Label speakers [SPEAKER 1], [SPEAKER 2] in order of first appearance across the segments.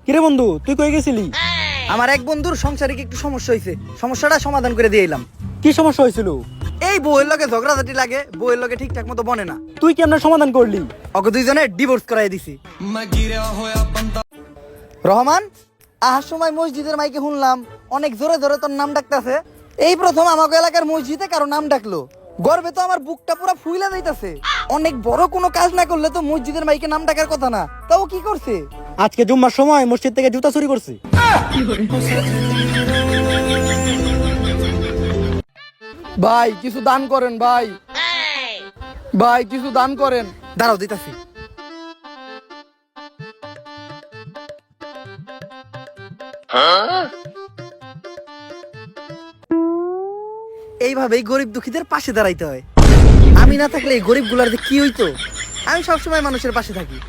[SPEAKER 1] কিরে বন্ধু, তুই কই গেছিলি?
[SPEAKER 2] আমার এক বন্ধুর সংসারে কি একটু সমস্যা হয়েছে, সমস্যাটা সমাধান করে দিয়ে এলাম।
[SPEAKER 1] কি সমস্যা হয়েছিল?
[SPEAKER 2] এই বউয়ের লগে ঝগড়াঝাটি লাগে, বউয়ের লগে ঠিকঠাক মতো বনে না।
[SPEAKER 1] তুই কেমনে সমাধান করলি?
[SPEAKER 2] ওকে দুইজনে ডিভোর্স করাই দিছি। রহমান, আহার সময় মসজিদের মাইকে শুনলাম অনেক জোরে জোরে তোর নাম ডাকতেছে। এই প্রথম আমাকে এলাকার মসজিদে কারো নাম ডাকলো। গর্বে তো আমার বুকটা পুরো ফুইলা যাইতাছে। অনেক বড় কোনো কাজ না করলে তো মসজিদের মাইকে নাম ডাকার কথা না, তাও কি করছে?
[SPEAKER 1] আজকে জুম্মার সময় মসজিদ থেকে জুতা চুরি করছে।
[SPEAKER 3] ভাই কিছু দান করেন, ভাই ভাই কিছু দান করেন।
[SPEAKER 2] দাঁড়াও দিতাছি। এইভাবেই গরিব দুঃখীদের পাশে দাঁড়াইতে হয়। আমি না থাকলে এই গরিব গুলার কি হইতো? আমি সবসময় মানুষের পাশে থাকি।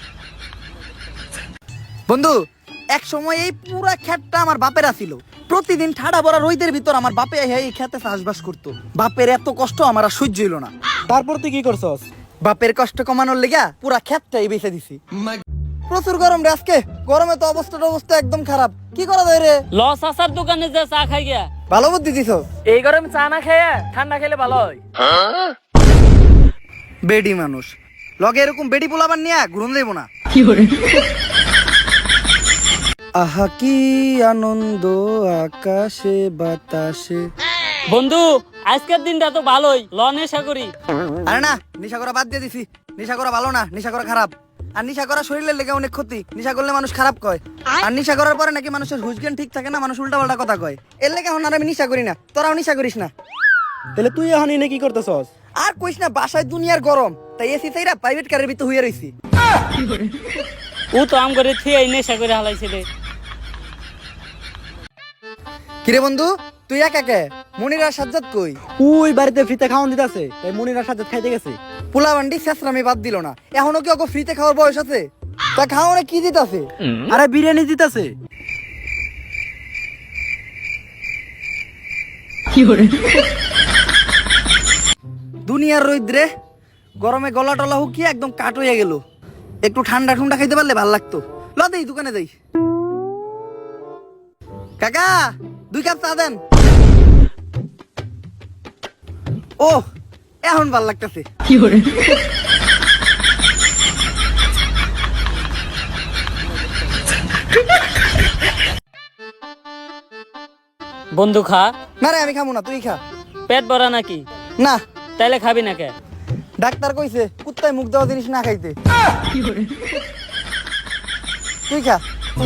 [SPEAKER 2] বন্ধু, এক সময় এই পুরা ক্ষেতটা আমার বাপের ছিল। প্রতিদিন ঠাডা ভরা রোদের ভিতর আমার বাপে এই খেতে চাষবাস করতো। বাপের এত কষ্ট আমার আর সহ্য হইল না।
[SPEAKER 1] তারপর তুই কি করছস?
[SPEAKER 2] বাপের কষ্ট কমানোর লেগা পুরা ক্ষেতটাই বেঁচে দিছি। প্রচুর গরম রে আজকে। গরমে তো অবস্থা একদম খারাপ। কি করা যায় রে?
[SPEAKER 4] লস আসার দোকানে যে চা খাই গিয়া।
[SPEAKER 2] ভালো বুদ্ধি দিছ।
[SPEAKER 4] এই গরমে চা না খেয়ে ঠান্ডা খেলে ভালো হয়।
[SPEAKER 2] বেডি মানুষ লগে এরকম বেডি পোলাবার নিয়ে ঘুরন দেব না। আহা কি আনন্দ আকাশে বাতাসে।
[SPEAKER 4] বন্ধু, আজকের দিনটা তো ভালোই, ল নেশা করি।
[SPEAKER 2] আরে না, নেশা করা বাদ দিয়ে দিছি। নেশা করা ভালো না, নেশা করা খারাপ। আর নেশা করা শরীরের লেগে অনেক ক্ষতি। নেশা করলে মানুষ খারাপ কয়। আর নেশা করার পরে নাকি মানুষের হুশ জ্ঞান ঠিক থাকে না, মানুষ উল্টা পাল্টা কথা কয়। এর লেগে এখন আর আমি নেশা করি না। তোরাও নেশা করিস না।
[SPEAKER 1] তাহলে তুই এখন এনে কি করতেছস?
[SPEAKER 2] আর কইস না, বাসায় দুনিয়ার গরম, তাই এসি চাইরা প্রাইভেট কারের ভিতর হইয়া রইছি।
[SPEAKER 4] ও তো আম করে থিয়ে নেশা করে হালাইছে রে।
[SPEAKER 2] কিরে বন্ধু, তুই একা কে? মনির আর সাজ্জাদ কই?
[SPEAKER 1] ওই বাড়িতে ফ্রিতে খাওয়ান দিতেছে, তাই মনিরা সাথে খাইতে গেছে।
[SPEAKER 2] পোলা বান্ডি শেষরামি বাদ দিল না। এখনো কি ওকে ফ্রিতে খাওয়ার বয়স আছে? তা খাওয়ানো কি দিতাছে?
[SPEAKER 1] আরে বিরিয়ানি দিতেছে।
[SPEAKER 2] দুনিয়ার রৌদ্রে গরমে গলা টলা হুকিয়ে একদম কাট হয়ে গেল। একটু ঠান্ডা ঠান্ডা খাইতে পারলে ভাল লাগতো। ল দেই দোকানে যাই। কাকা, 2 কাপ চা দেন। ও, এখন ভাল লাগতেছে।
[SPEAKER 4] বন্ধু খা।
[SPEAKER 2] না রে, আমি খাবো না, তুই খা।
[SPEAKER 4] পেট ভরা নাকি?
[SPEAKER 2] না,
[SPEAKER 4] তাইলে খাবি না কে?
[SPEAKER 2] ডাক্তার কইছে কুত্তায় মুখ দেওয়া জিনিস না খাইতে। তুই খা।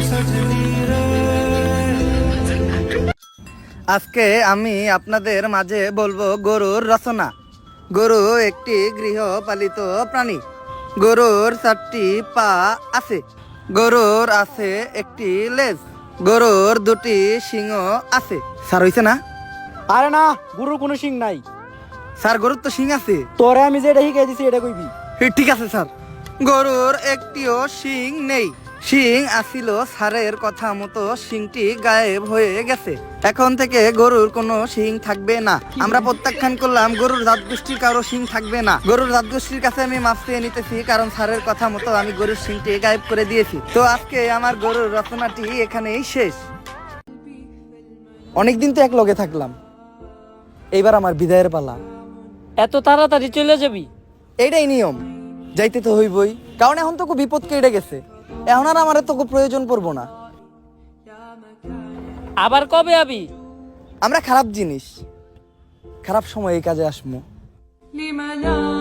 [SPEAKER 2] আজকে আমি আপনাদের মাঝে বলবো গরুর রচনা। গরু একটি গৃহপালিত প্রাণী। গরুর 4টি পা আছে। গরুর আছে একটি লেজ। গরুর 2টি সিংহ আছে। স্যার হইছে না?
[SPEAKER 1] আরে না, গরুর কোনো শিং নাই।
[SPEAKER 2] স্যার, গরুর তো সিং আছে।
[SPEAKER 1] তোরে আমি যেটা শিখাই দিছি এটা কইবি।
[SPEAKER 2] ঠিক আছে স্যার। গরুর একটিও শিং নেই। শিং আসিল স্যারের কথা মতো শিংটি গায়েব হয়ে গেছে। এখন থেকে গরুর কোনো শিং থাকবে না। আমরা প্রত্যাখ্যান করলাম, গরুর জাত গোষ্ঠীর কারো শিং থাকবে না। গরুর জাত গোষ্ঠীর কাছে আমি মাফ চেয়ে নিতেছি, কারণ স্যারের কথা মতো আমি গরুর শিংটি গায়েব করে দিয়েছি। তো আজকে আমার গরুর রচনাটি এখানেই শেষ। অনেকদিন তো এক লগে থাকলাম, এইবার আমার বিদায়ের পালা।
[SPEAKER 4] এত তাড়াতাড়ি চলে যাবি?
[SPEAKER 2] এইটাই নিয়ম, যাইতে তো হইবই, কারণ এখন তো বিপদ কেটে গেছে। এখন আর আমার তো প্রয়োজন পড়বো না।
[SPEAKER 4] আবার কবে আবি?
[SPEAKER 2] আমরা খারাপ জিনিস, খারাপ সময় এই কাজে আসমু।